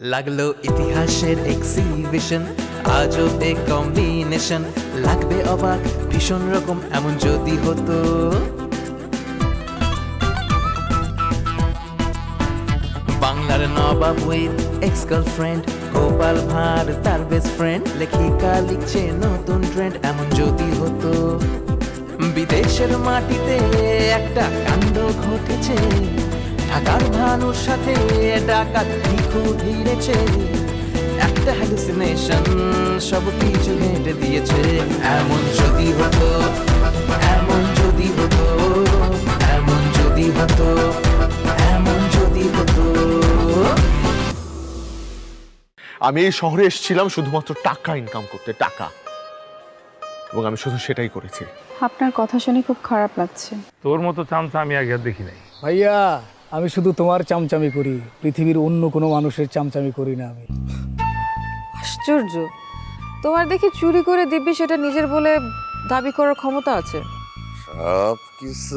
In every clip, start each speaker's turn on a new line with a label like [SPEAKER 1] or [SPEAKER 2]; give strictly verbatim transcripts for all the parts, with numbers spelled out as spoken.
[SPEAKER 1] লাগলো ইতিহাসের exhibition, আজবে combination, লাগবে অবাক ভীষণ রকম এমন যদি হতো। বাংলার নবাব with ex girlfriend, Gopal Bhar তার বেস্ট ফ্রেন্ড, লেখিকা লিখছে নতুন ট্রেন্ড এমন যদি হতো। বিদেশের মাটিতে একটা কাণ্ড ঘটেছে, ঢাকার ভানুর সাথে ডাকাত ভিখু ভিড়েছে, একটা হ্যালুসিনেশন সব কিছু হেঁটে দিয়েছে। এমন যদি হতো, এমন যদি হতো, এমন যদি হতো, এমন যদি হতো।
[SPEAKER 2] আমি এই শহরে এসেছিলাম শুধুমাত্র টাকা ইনকাম করতে, টাকা, এবং আমি শুধু সেটাই করেছি।
[SPEAKER 3] আপনার কথা শুনে খুব খারাপ লাগছে।
[SPEAKER 4] তোর মতো চামচা আমি আগে আর দেখি নাই।
[SPEAKER 5] ভাইয়া, আমি শুধু তোমার চামচামি করি, পৃথিবীর অন্য কোনো মানুষের চামচামি করি না আমি।
[SPEAKER 6] আশ্চর্য, তোমার দেখি চুরি করে দিব্যি সেটা নিজের বলে দাবি করার ক্ষমতা আছে।
[SPEAKER 7] সব কিছু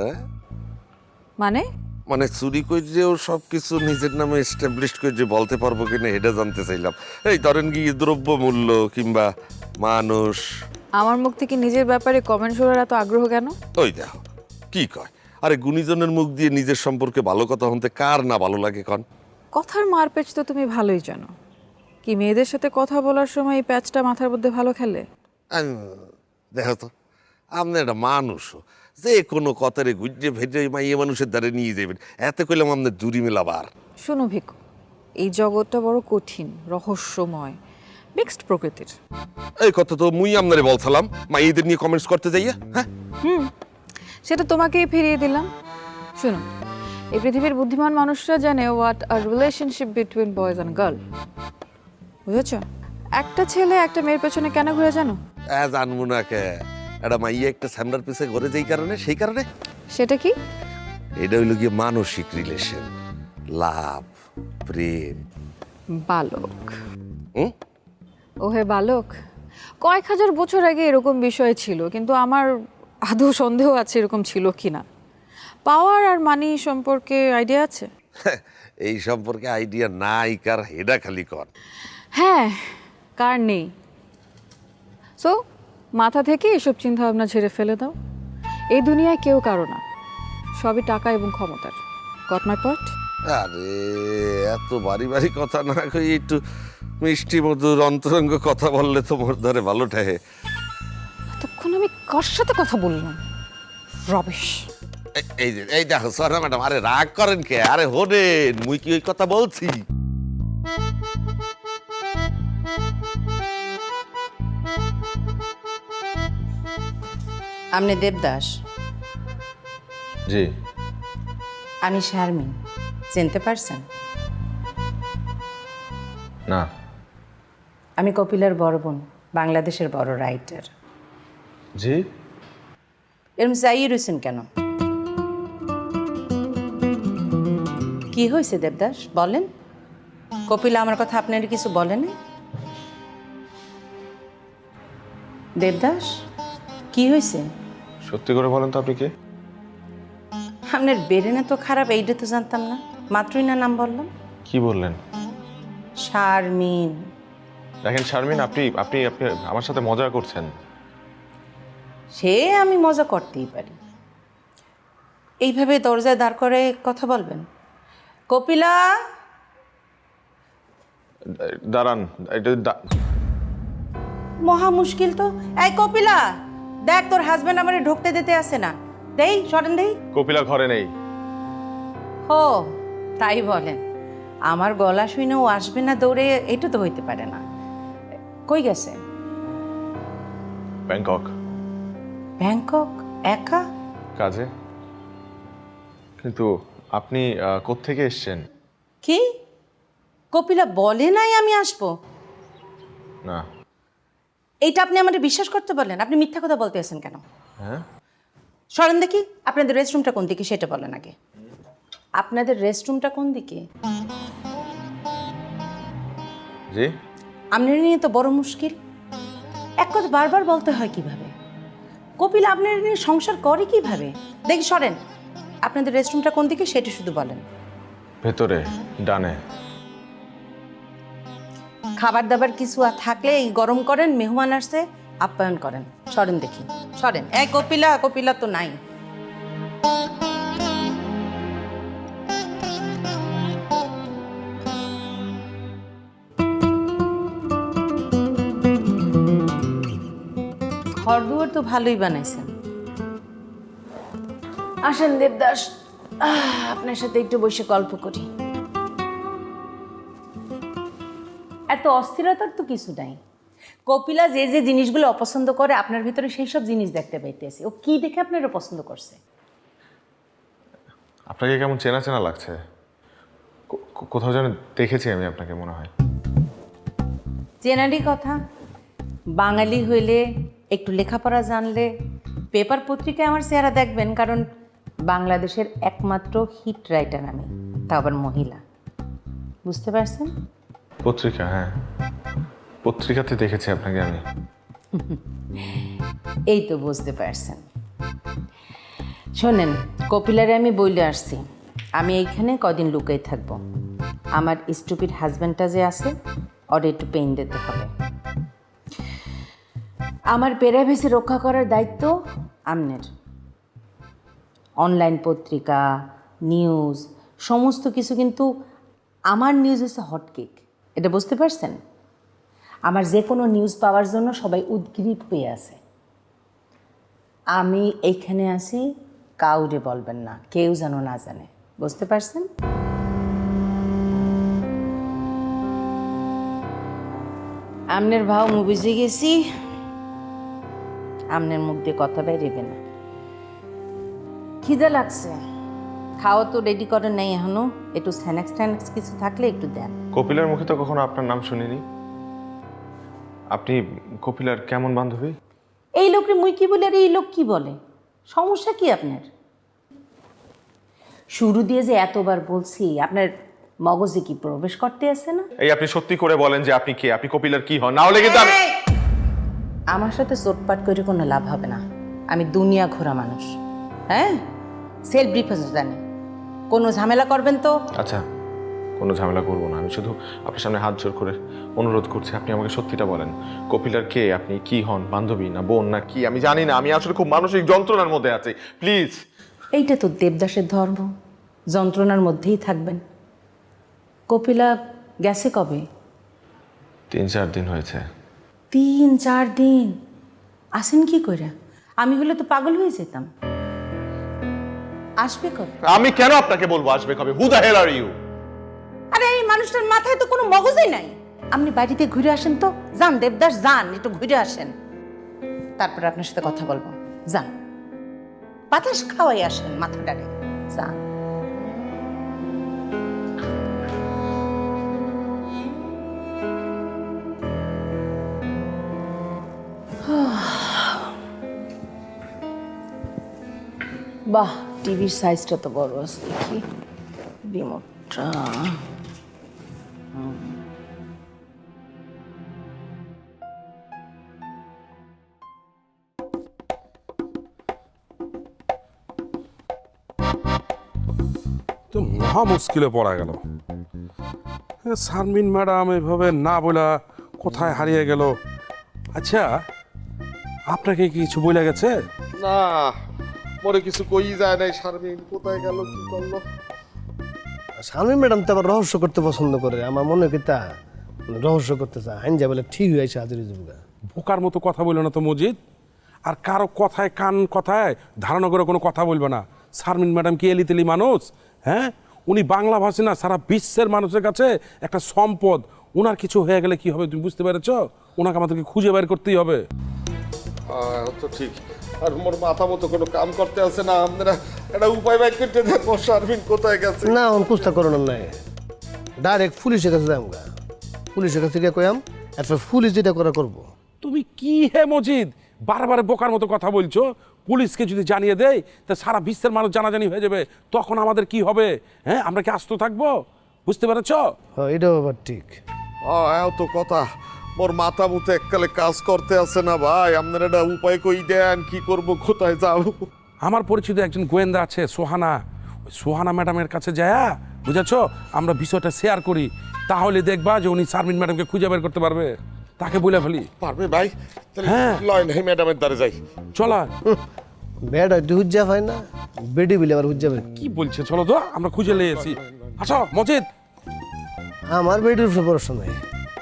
[SPEAKER 6] মানে
[SPEAKER 7] মানে চুরি করেও সব কিছু নিজের নামে এস্টাবলিশ করে যে বলতে পারবো কিনা এটা জানতে চাইলাম। এই ধরেন কি দ্রব্য মূল্য কিংবা মানুষ।
[SPEAKER 6] আমার মুখ থেকে নিজের ব্যাপারে কমেন্ট শোনার এত আগ্রহ কেন?
[SPEAKER 7] ওই দেখো কি কয়, আরে গুণীজনের মুখ দিয়ে নিজের সম্পর্কে ভালো কথা শুনতে কার না ভালো লাগে কন?
[SPEAKER 6] কথার মারপ্যাচ তো তুমি ভালোই জানো। কি মেয়েদের সাথে কথা বলার সময় এই প্যাচটা মাথার মধ্যে ভালো খেলে?
[SPEAKER 7] আম, দেখো তো, আপনি একটা মানুষও যে কোনো কথারে গুজে ভেজে মাইয়ে মানুষের দ্বারে নিয়ে যাবেন, এতে করলাম আপনার দূরি মেলাবার।
[SPEAKER 6] শোনো ভিকু, এই জগৎটা বড় কঠিন, রহস্যময়, মিক্সড প্রকৃতির।
[SPEAKER 7] এই কথা তো মুই আপনারে বলছিলাম মাইয়েদের নিয়ে কমেন্টস করতে যাইয়া। হ্যাঁ,
[SPEAKER 6] হুম, সেটা তোমাকেই ফিরিয়ে দিলাম। শোনো, এই পৃথিবীর বুদ্ধিমান মানুষরা জানে what are relationship between boys and girl. বুঝেছ? একটা ছেলে একটা মেয়ের পেছনে কেন ঘুরে জানো?
[SPEAKER 7] হ্যাঁ, জানবো না কে, একটা মাইয়া একটা স্যামরার পিছে ঘরে যেই কারণে, সেই কারণে
[SPEAKER 6] সেটা কি?
[SPEAKER 7] এটা হইল গিয়ে মানসিক রিলেশন, লাভ, প্রেম।
[SPEAKER 6] বালক।
[SPEAKER 7] হুম?
[SPEAKER 6] ওহে বালক, কয়েক হাজার বছর আগে এরকম বিষয় ছিল, কিন্তু আমার আদৌ সন্দেহ আছে এরকম ছিল কিনা। পাওয়ার আর মানি সম্পর্কে আইডিয়া আছে?
[SPEAKER 7] এই সম্পর্কে আইডিয়া নাই কার, হেডা খালি কর।
[SPEAKER 6] হ্যাঁ, কার নেই। সো মাথা থেকে এসব চিন্তা ভাবনা ঝেড়ে ফেলে দাও। এই দুনিয়ায় কেউ কারো না, সবই টাকা এবং ক্ষমতার। Got my point?
[SPEAKER 7] আরে এত বাড়ি বাড়ি কথা না কই একটু মিষ্টি মধুর অন্তরঙ্গ কথা বললে তোমার ধরে ভালো ঠাহে।
[SPEAKER 6] এতক্ষণ আমি কার সাথে কথা বললাম? রবিশ।
[SPEAKER 7] এ- এই যে এই দেখো সরা ম্যাডাম, আরে রাগ করেন কে? আরে হোনেন, মুই কি ওই কথা বলছি?
[SPEAKER 8] আপনি দেবদাস?
[SPEAKER 2] জি।
[SPEAKER 8] আমি শারমিন, চিনতে পারছেন?
[SPEAKER 2] না।
[SPEAKER 8] আমি কপিলার বড় বোন, বাংলাদেশের বড় রাইটার।
[SPEAKER 2] জি।
[SPEAKER 8] এরম চাইয়ে রয়েছেন কেন? কি হয়েছে দেবদাস, বলেন। কপিলা আমার কথা আপনার কিছু বলেন? দেবদাস, কি হয়েছে?
[SPEAKER 2] সত্যি করে বলেন তো, আপনি কে?
[SPEAKER 8] আপনার বেরেনে তো খারাপ, এইটা তো জানতাম না, মাত্রই না নাম বললাম।
[SPEAKER 2] কি বললেন?
[SPEAKER 8] শারমিন।
[SPEAKER 2] দেখেন শারমিন, আপনি আপনি আপনি আমার সাথে মজা করছেন।
[SPEAKER 8] সে আমি মজা করতেই পারি, এইভাবে দরজায় দাঁড় করে কথা বলবেন? কপিলা,
[SPEAKER 2] দাঁড়ান, এটা দা-
[SPEAKER 8] মহা মুশকিল তো। এই কপিলা, দেখ তোর হাজবেন্ড আমারে ঢুকতে দিতে আসে না। দেই সরেন দেই।
[SPEAKER 2] কপিলা ঘরে নেই।
[SPEAKER 8] ও তাই বলেন? আমার গলা শুনে ও আসবে না দৌড়ে, এটা তো হইতে পারে না। কই গেছে?
[SPEAKER 2] Bangkok
[SPEAKER 8] Bangkok? একা?
[SPEAKER 2] কাজে। কিন্তু আপনি আহ, কোত্থেকে এসেছেন?
[SPEAKER 8] কি কপিলা বলে নাই আমি আসবো?
[SPEAKER 2] না।
[SPEAKER 8] এইটা আপনি আমাদের বিশ্বাস করতে বলেন? আপনি মিথ্যা কথা বলতে আছেন কেন?
[SPEAKER 2] হ্যাঁ,
[SPEAKER 8] সরেন দেখি, আপনাদের রেস্টরুমটা কোন দিকে সেটা বলেন আগে। আপনাদের রেস্টরুমটা কোন দিকে?
[SPEAKER 2] জি।
[SPEAKER 8] আপনার নিয়ে তো বড় মুশকিল, এক কথা বারবার বলতে হয় কিভাবে? কপিল আপনার নিয়ে সংসার করে কিভাবে? দেখি সরেন, আপনাদের রেস্টরুমটা কোন দিকে সেটা শুধু বলেন।
[SPEAKER 2] ভেতরে ডানে।
[SPEAKER 8] খাবার দাবার কিছু আর থাকলে এই গরম করেন, মেহমান আসছে আপ্যায়ন করেন। সরেন দেখি, সরেন। এই কপিলা, কপিলা তো নাই। ঘর দুয়ার তো ভালোই বানাইছেন। আসেন দেবদাস, আহ, আপনার সাথে একটু বসে গল্প করি। এত অস্থিরতার তো কিছু নাই। কপিলা যে যে জিনিসগুলো অপছন্দ করে আপনার ভিতরে সেই সব জিনিস দেখতে পাইতেছি। ও কি দেখে আপনারা পছন্দ করছে?
[SPEAKER 2] আপনাকে কেমন চেনা চেনা লাগছে, কো- কো- কোথাও যেন দেখেছি আমি আপনাকে মনে হয়।
[SPEAKER 8] চেনারই কথা, বাঙালি হইলে একটু লেখাপড়া জানলে পেপার পত্রিকায় আমার চেহারা দেখবেন, কারণ বাংলাদেশের একমাত্র হিট রাইটার আমি, তা আবার মহিলা। বুঝতে পারছেন?
[SPEAKER 2] পত্রিকা, হ্যাঁ পত্রিকাতে দেখেছি আপনাকে আমি।
[SPEAKER 8] এই তো বুঝতে পারছেন। শোনেন, কপিলারে আমি বইলে আসছি আমি এইখানে কদিন লুকাই থাকবো। আমার স্টুপিড হাজব্যান্ডটা যে আছে ওর একটু পেইন দিতে হবে। আমার প্রাইভেসি রক্ষা করার দায়িত্ব আমনের। অনলাইন পত্রিকা, নিউজ, সমস্ত কিছু কিন্তু আমার নিউজ হচ্ছে হটকেক, এটা বুঝতে পারছেন? আমার যে কোনো নিউজ পাওয়ার জন্য সবাই উদ্গ্রীব হয়ে আছে। আমি এইখানে আসি, কাউরে বলবেন না, কেউ যেন না জানে। বুঝতে পারছেন? আমনের ভাও বুঝে গেছি, আমনের মুখ দিয়ে কথা বেরিয়ে না। খিদে লাগছে, খাওয়া তো রেডি করেন নাই এখনো। একটু স্ন্যাক্স ট্যানাক্স কিছু থাকলে একটু দেন।
[SPEAKER 2] কপিলার মুখে তো কখনো আপনার নাম শুনিনি। আপনি কপিলার কেমন বান্ধবী?
[SPEAKER 8] এই লোকরে মুই কি বলে আর এই লোক কি বলে? সমস্যা কি আপনার? শুরু দিয়ে যে এতবার বলছি, আপনার মগজে কি প্রবেশ করতে আসে না?
[SPEAKER 2] এই আপনি সত্যি করে বলেন যে আপনি কে, আপনি কপিলার কি হন, না হলে কিন্তু আমি।
[SPEAKER 8] আমার সাথে চোটপাট করে কোনো লাভ হবে না। আমি দুনিয়া ঘোরা মানুষ, হ্যাঁ, সেলফ ডিফেন্স জানি। কোনো ঝামেলা করবেন তো?
[SPEAKER 2] আচ্ছা, কোনো ঝামেলা করবো না। আমি শুধু আপনার সামনে হাত জোর করে অনুরোধ করছি, আপনি আমাকে সত্যিটা বলেন। কপিলার কে, আপনি কি হন, বান্ধবী না বোন না কি? আমি জানি না, আমি আসলে খুব মানসিক যন্ত্রণার মধ্যে আছি, প্লিজ।
[SPEAKER 8] এইটা তো দেবদাসের ধর্ম, যন্ত্রণার মধ্যেই থাকবেন। কপিলা গেছে কবে?
[SPEAKER 2] তিন চার দিন হয়েছে।
[SPEAKER 8] তিন চার দিন আসেন কি কইরা? আমি হলে তো পাগল হয়ে যেতাম। আসবে কবে?
[SPEAKER 2] আমি কেন আপনাকে বলবো আসবে কবে? Who the hell are you?
[SPEAKER 8] আরে এই মানুষটার মাথায় তো কোনো মগজই নাই। আপনি বাড়িতে ঘুরে আসেন তো, যান দেবদাস, যান একটু ঘুরে আসেন, তারপর আপনার সাথে কথা বলবো। যান, বাতাস খাওয়াই আসেন মাথাটারে, যান। বাহ, টিভির সাইজটা তো বড় আছে, দেখি রিমোটটা।
[SPEAKER 9] তো মহা মুশকিলে পড়া গেল। শারমিন ম্যাডাম এভাবে না বলা কোথায় হারিয়ে গেল? আচ্ছা, আপনাকে কি কিছু বলে গেছে?
[SPEAKER 7] না, পরে কিছু কই যায় নাই। শারমিন কোথায় গেল, কি করলো?
[SPEAKER 10] শারমিন ম্যাডাম তো আবার রহস্য করতে পছন্দ করে। আমার মনে হয় কি তা রহস্য করতে চায়। আইন যা বলে ঠিক হয়েছে হাজির জুবগা।
[SPEAKER 9] বোকার মতো কথা বললো না তো মজিদ। আর কারো কথায় কান কথায় ধারণা করে কোনো কথা বলবে না। শারমিন ম্যাডাম কি এলিতেলি মানুষ? হ্যাঁ, উনি বাংলা ভাষী না, সারা বিশ্বের মানুষের কাছে একটা সম্পদ। ওনার কিছু হয়ে গেলে কি হবে তুমি বুঝতে পেরেছ? ওনাকে আমাদেরকে খুঁজে বের করতেই হবে।
[SPEAKER 7] হ্যাঁ, তো ঠিক। আর মোর মাথা মতো কোনো কাম করতে আছে না। আপনারা একটা উপায় বাইর করতে দেখো, শারমিন কোথায় গেছে।
[SPEAKER 10] না, অন কুস্তা করানোর নাই, ডাইরেক্ট পুলিশের কাছে যাম গা। পুলিশের কাছে গিয়ে কয়াম, এরপর পুলিশ যেটা করা করবো।
[SPEAKER 9] তুমি কি হে মজিদ বারবার বোকার মতো কথা বলছো? পুলিশকে যদি জানিয়ে দেয় তা সারা বিশ্বের মানুষ জানাজানি হয়ে যাবে, তখন আমাদের কি হবে? হ্যাঁ, আমরা কি আস্ত থাকবো? বুঝতে পেরেছ?
[SPEAKER 10] হ্যাঁ, এটাও আবার ঠিক।
[SPEAKER 7] হ্যাঁ, তো কথা। মোর মাথা মুতে এককালে কাজ করতে আছে না ভাই। আপনারা একটা উপায় কই দেন, কি করব, কোথায় যাব?
[SPEAKER 9] আমার পরিচিত একজন গোয়েন্দা আছে, সোহানা। ওই সোহানা ম্যাডামের কাছে যায়, বুঝেছ, আমরা বিষয়টা শেয়ার করি। তাহলে দেখবা যে উনি শারমিন ম্যাডামকে খুঁজে বের করতে পারবে। তাকে বলে ফেলি।
[SPEAKER 7] পারবে ভাই? তাহলে
[SPEAKER 9] হ্যাঁ।
[SPEAKER 7] লয় নাই ম্যাডামের দ্বারে যাই।
[SPEAKER 9] চলা।
[SPEAKER 10] বেড হয়তো হুজ্জা পায় না, বেডি বিলে আবার হুজ্জা পায়।
[SPEAKER 9] কি বলছে, চলো তো আমরা খুঁজে নিয়ে এসি। আচ্ছা মজিদ,
[SPEAKER 10] আমার বেডির উপরে ভরসা নাই।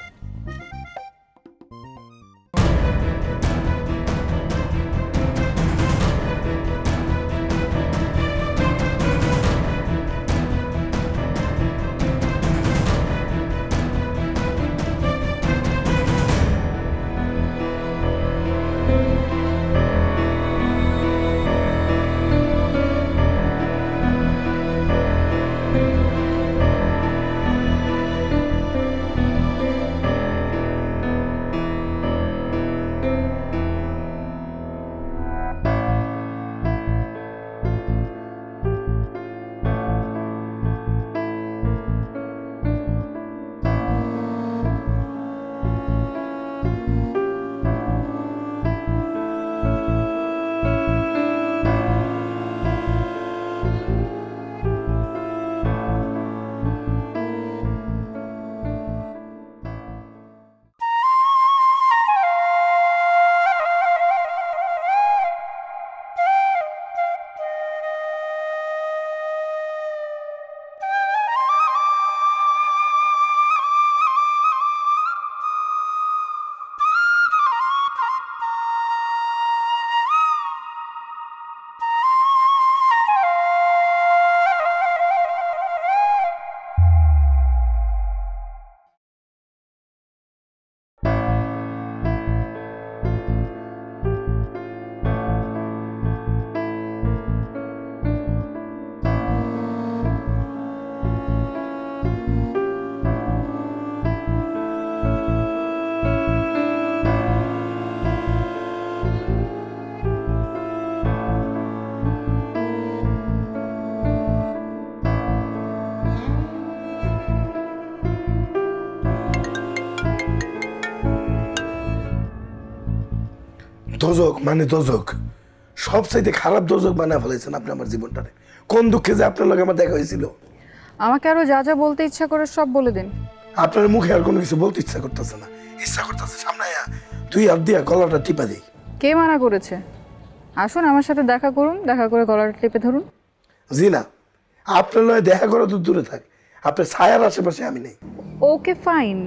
[SPEAKER 11] দোজক মানে দোজক, সবচাইতে খারাপ দোজক বানায় ফেলেছেন আপনি আমার জীবনটারে। কোন দুঃখে যে আপনার লগে আমার দেখা হয়েছিল।
[SPEAKER 6] আমাকে আরো যা যা বলতে ইচ্ছা করে সব বলে দিন।
[SPEAKER 11] আপনার মুখে আর কোনো কিছু বলতে ইচ্ছা করতেছে না, ইচ্ছা করতেছে সামনে আয়া তুই হাত দিয়া গলাটা টিপা দিই।
[SPEAKER 6] কে মানা করেছে? আসুন আমার সাথে দেখা করুন, দেখা করে গলাটা টিপে ধরুন।
[SPEAKER 11] জি না, আপনার লয় দেখা করা তো দূরে থাক, আপনার ছায়ার আশেপাশে আমি নেই।
[SPEAKER 6] ওকে ফাইন,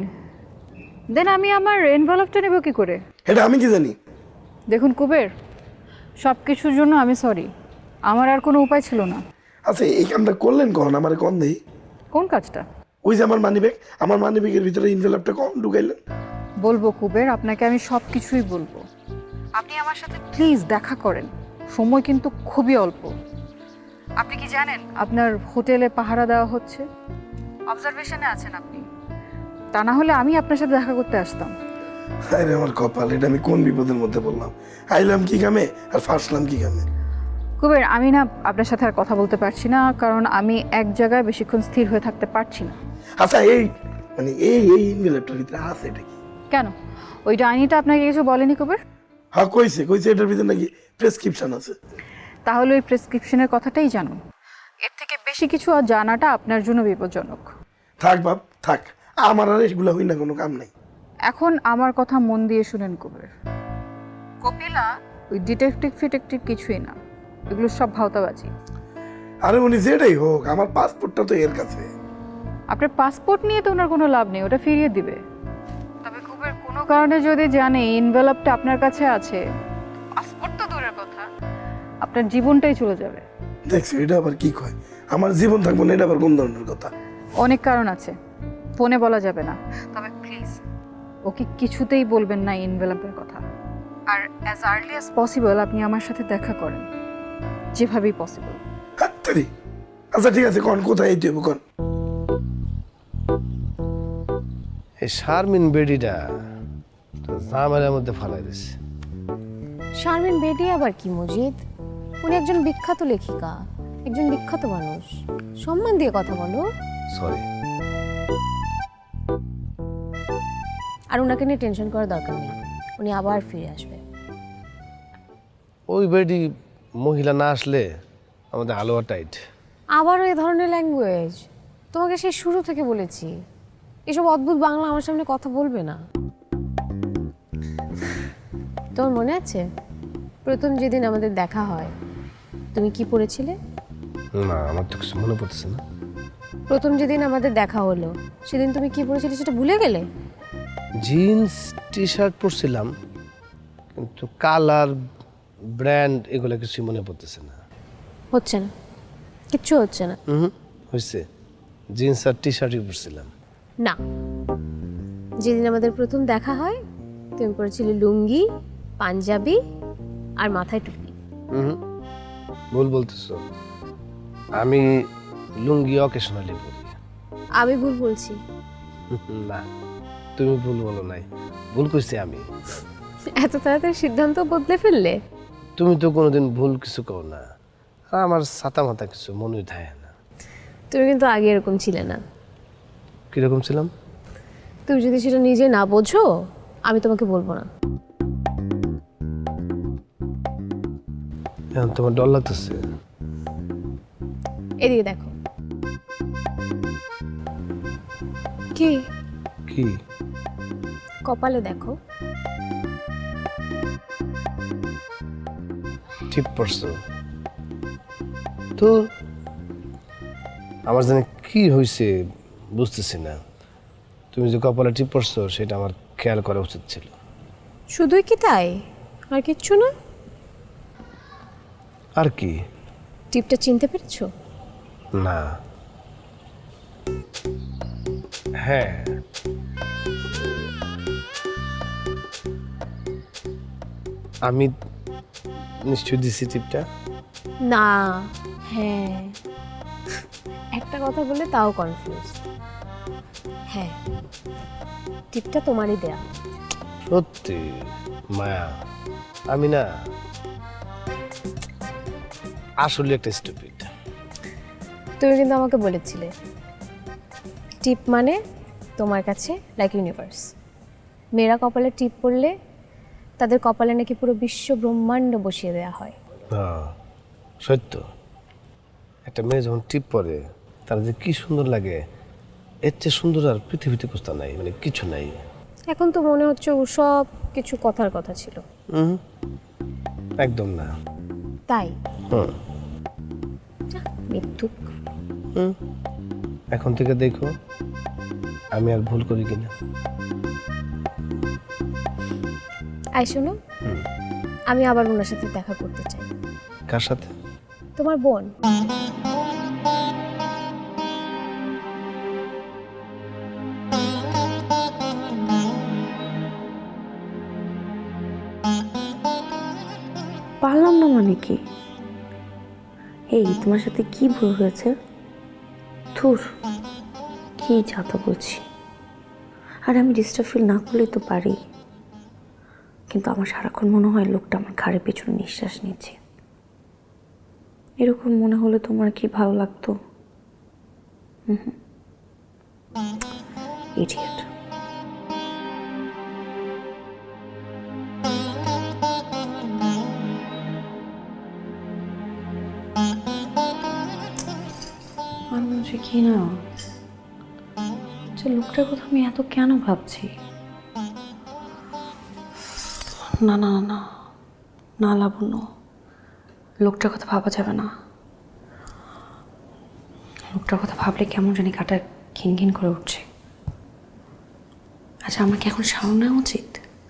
[SPEAKER 6] দেন আমি আমার এনভেলপটা নেব কি করে?
[SPEAKER 11] এটা আমি কি জানি?
[SPEAKER 6] দেখুন কুবের, সব কিছুর জন্য আমি সরি, আমার আর কোনো উপায় ছিল না।
[SPEAKER 11] আচ্ছা এই কামটা করলেন কখন আমার কম দেই?
[SPEAKER 6] কোন কাজটা?
[SPEAKER 11] ওই যে আমার মানিব্যাগ, আমার মানিব্যাগের ভিতরে ইনভেলপটা কম ঢুকাইলেন?
[SPEAKER 6] বলবো কুবের, আপনাকে আমি সব কিছুই বলবো। আপনি আমার সাথে প্লিজ দেখা করেন, সময় কিন্তু খুবই অল্প। আপনি কি জানেন আপনার হোটেলে পাহারা দেওয়া হচ্ছে? অবজারভেশনে আছেন আপনি, তা না হলে আমি আপনার সাথে দেখা করতে আসতাম।
[SPEAKER 11] আরে আমার কপাল, এটা আমি কোন বিপদের মধ্যে বললাম। আইলাম কি কামে আর ফাঁসলাম কি কামে?
[SPEAKER 6] কুবের, আমি না আপনার সাথে আর কথা বলতে পারছি না, কারণ আমি এক জায়গায় বেশিক্ষণ স্থির হয়ে থাকতে পারছি না।
[SPEAKER 11] আচ্ছা এই মানে এই এই ইনভেলপটার ভিতরে আছে এটা কি?
[SPEAKER 6] কেন, ওই ডাইনিটা আপনাকে কিছু বলেনি কুবের?
[SPEAKER 11] হ্যাঁ কইছে, কইছে এটার ভিতরে নাকি প্রেসক্রিপশন আছে।
[SPEAKER 6] তাহলে ওই প্রেসক্রিপশনের কথাটাই জানুন, এর থেকে বেশি কিছু আর জানাটা আপনার জন্য বিপজ্জনক।
[SPEAKER 11] থাক বাপ থাক, আমার আর এগুলো হই না, কোনো কাম নাই।
[SPEAKER 6] এখন আমার কথা মন দিয়ে শুনেন কুবের, কপিলা ওই ডিটেকটিভ ফিটেকটিভ কিছুই না, এগুলো সব ভাওতাবাজি।
[SPEAKER 11] আরে উনি যেটাই হোক, আমার পাসপোর্টটা তো এর কাছে।
[SPEAKER 6] আপনার পাসপোর্ট নিয়ে তো ওনার কোনো লাভ নেই, ওটা ফিরিয়ে দিবে। তবে কুবের কোনো কারণে যদি জানে এনভেলপটা আপনার কাছে আছে, পাসপোর্ট তো দূরের কথা, আপনার জীবনটাই চলে যাবে।
[SPEAKER 11] দেখছি এটা আবার কি কয়, আমার জীবন থাকবো না, এটা আবার কোন ধরনের কথা?
[SPEAKER 6] অনেক কারণ আছে, ফোনে বলা যাবে না। তবে প্লিজ ওকে কিছুতেই বলবেন না এনভেলপের কথা। আর অ্যাজ আর্লি অ্যাজ পসিবল আপনি আমার সাথে দেখা করেন, যেভাবেই পসিবল।
[SPEAKER 11] হাত্তারি। আচ্ছা ঠিক আছে, কোন কোথায় এই দেবো কোন?
[SPEAKER 10] এই শারমিন বেডিটা তো জামালের মধ্যে ফালাই দিছে।
[SPEAKER 12] শারমিন বেডি আবার কি মজিদ? উনি একজন বিখ্যাত লেখিকা, একজন বিখ্যাত মানুষ, সম্মান দিয়ে কথা বলো।
[SPEAKER 10] সরি।
[SPEAKER 12] আর ওনাকে নিয়ে টেনশন করার দরকার নেই, উনি আবার ফিরে আসবে।
[SPEAKER 10] ওই বেডি মহিলা না আসলে আমাদের হালুয়া টাইট।
[SPEAKER 12] আবারও এই ধরনের ল্যাঙ্গুয়েজ? তোমাকে সেই শুরু থেকে বলেছি এসব অদ্ভুত বাংলা আমার সামনে কথা বলবে না। তোমার মনে আছে প্রথম যেদিন আমাদের দেখা হয় তুমি কি পড়েছিলে?
[SPEAKER 10] না আমার তো কিছু মনে পড়ছে না।
[SPEAKER 12] প্রথম যেদিন আমাদের দেখা হলো সেদিন তুমি কি পড়েছিলে সেটা ভুলে গেলে?
[SPEAKER 10] জিন্স টি শার্ট পরছিলাম, কিন্তু কালার ব্র্যান্ড এগুলো কিছু মনে পড়তেছে না।
[SPEAKER 12] হচ্ছে না, কিচ্ছু হচ্ছে না।
[SPEAKER 10] হুম হয়েছে, জিন্স আর টি শার্টই পরছিলাম।
[SPEAKER 12] না, যেদিন আমাদের প্রথম দেখা হয় তুমি পরেছিলে লুঙ্গি, পাঞ্জাবি আর মাথায় টুপি।
[SPEAKER 10] হুম ভুল বলতেছো, আমি লুঙ্গি অকেশনালি পরি।
[SPEAKER 12] আমি ভুল বলছি?
[SPEAKER 10] না তুমি ভুল বলো নাই, ভুল করছি আমি।
[SPEAKER 12] এত তাড়াতাড়ি সিদ্ধান্ত বদলে ফেললে?
[SPEAKER 10] তুমি তো কোনোদিন ভুল কিছু কও না, আর আমার ছাতা মাথা কিছু মনেই থাকে না।
[SPEAKER 12] তুমি কিন্তু আগে এরকম ছিলে না।
[SPEAKER 10] কিরকম ছিলাম?
[SPEAKER 12] তুমি যদি সেটা নিজে না বোঝো আমি তোমাকে বলবো না।
[SPEAKER 10] এখন তোমার ডর লাগতেছে?
[SPEAKER 12] এদিকে দেখো। কি
[SPEAKER 10] কি?
[SPEAKER 12] কপালে দেখো।
[SPEAKER 10] ঠিক পড়ছো তো। আমার জানি কি হয়েছে বুঝতেছি না। তুমি যে কপালে টিপ পড়ছো সেটা আমার খেয়াল করা উচিত ছিল।
[SPEAKER 12] শুধুই কি তাই, আর কিচ্ছু না?
[SPEAKER 10] আর কি?
[SPEAKER 12] টিপটা চিনতে পেরেছো?
[SPEAKER 10] না। হ্যাঁ আমি নিশ্চয় দিছি টিপটা।
[SPEAKER 12] না, হ্যাঁ, একটা কথা বলে তাও কনফিউজ। হ্যাঁ, টিপটা তোমারই দেয়া।
[SPEAKER 10] সত্যি মায়া, আমি না আসলে একটা স্টুপিড।
[SPEAKER 12] তুমি কিন্তু আমাকে বলেছিলে টিপ মানে তোমার কাছে লাইক ইউনিভার্স। মেয়েরা কপালে টিপ পড়লে তাদের কপালে নাকি পুরো বিশ্ব ব্রহ্মাণ্ড বসিয়ে দেওয়া হয়।
[SPEAKER 10] হ্যাঁ সত্য, একটা মেয়ে যখন টিপ পরে তার যে কি সুন্দর লাগে, এর চেয়ে সুন্দর আর পৃথিবীতে কোথাও নাই, মানে কিছু নাই।
[SPEAKER 12] এখন তো মনে হচ্ছে ও সব কিছু কথার কথা ছিল।
[SPEAKER 10] হুম একদম না।
[SPEAKER 12] তাই?
[SPEAKER 10] হুম
[SPEAKER 12] মৃত্যুক।
[SPEAKER 10] হুম এখন থেকে দেখো আমি আর ভুল করি কিনা।
[SPEAKER 12] আই শোনো, আমি আবার ওনার সাথে দেখা করতে চাই।
[SPEAKER 10] কার সাথে?
[SPEAKER 12] তোমার বোন।
[SPEAKER 13] পারলাম না মানে কি? এই তোমার সাথে কি ভুল হয়েছে? ধুর, কি যাতা বলছি। আর আমি ডিস্টার্ব ফিল না করলেই তো পারি, কিন্তু আমার সারাক্ষণ মনে হয় লোকটা আমার ঘাড়ে পেছনে নিঃশ্বাস নিচ্ছে। এরকম মনে হলে তোমার কি ভালো লাগতো? হুম ইডিয়েট। আর বলছি কি না, যে লোকটার কথা আমি এত কেন ভাবছি? না না না না লাবণ্য, লোকটার কথা ভাবা যাবে না। লোকটার কথা ভাবলে কেমন জানি কাটা ঘিন ঘিন করে উঠছে। আচ্ছা আমার কি এখন শাওয়ার নেওয়া উচিত?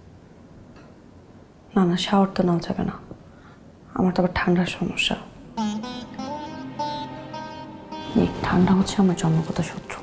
[SPEAKER 13] না না শাওয়ার তো নেওয়া যাবে না, আমার তো আবার ঠান্ডার সমস্যা। এই ঠান্ডা হচ্ছে আমার জন্মগত শত্রু।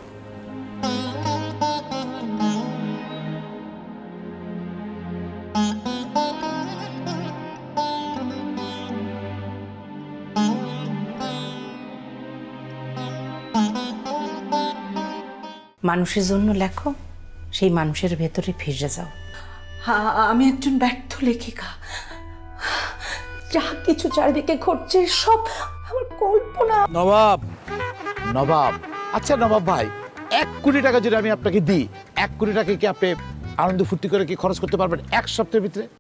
[SPEAKER 8] মানুষের জন্য লেখো, সেই মানুষের ভেতরে ফিরে যাও। আমি একজন ব্যর্থ লেখিকা, যা কিছু চারিদিকে ঘটছে সব আমার কল্পনা।
[SPEAKER 14] নবাব, নবাব, আচ্ছা নবাব ভাই, এক কোটি টাকা যদি আমি আপনাকে দিই, এক কোটি টাকা কি আপনি আনন্দ ফুর্তি করে কি খরচ করতে পারবেন এক সপ্তাহের ভিতরে?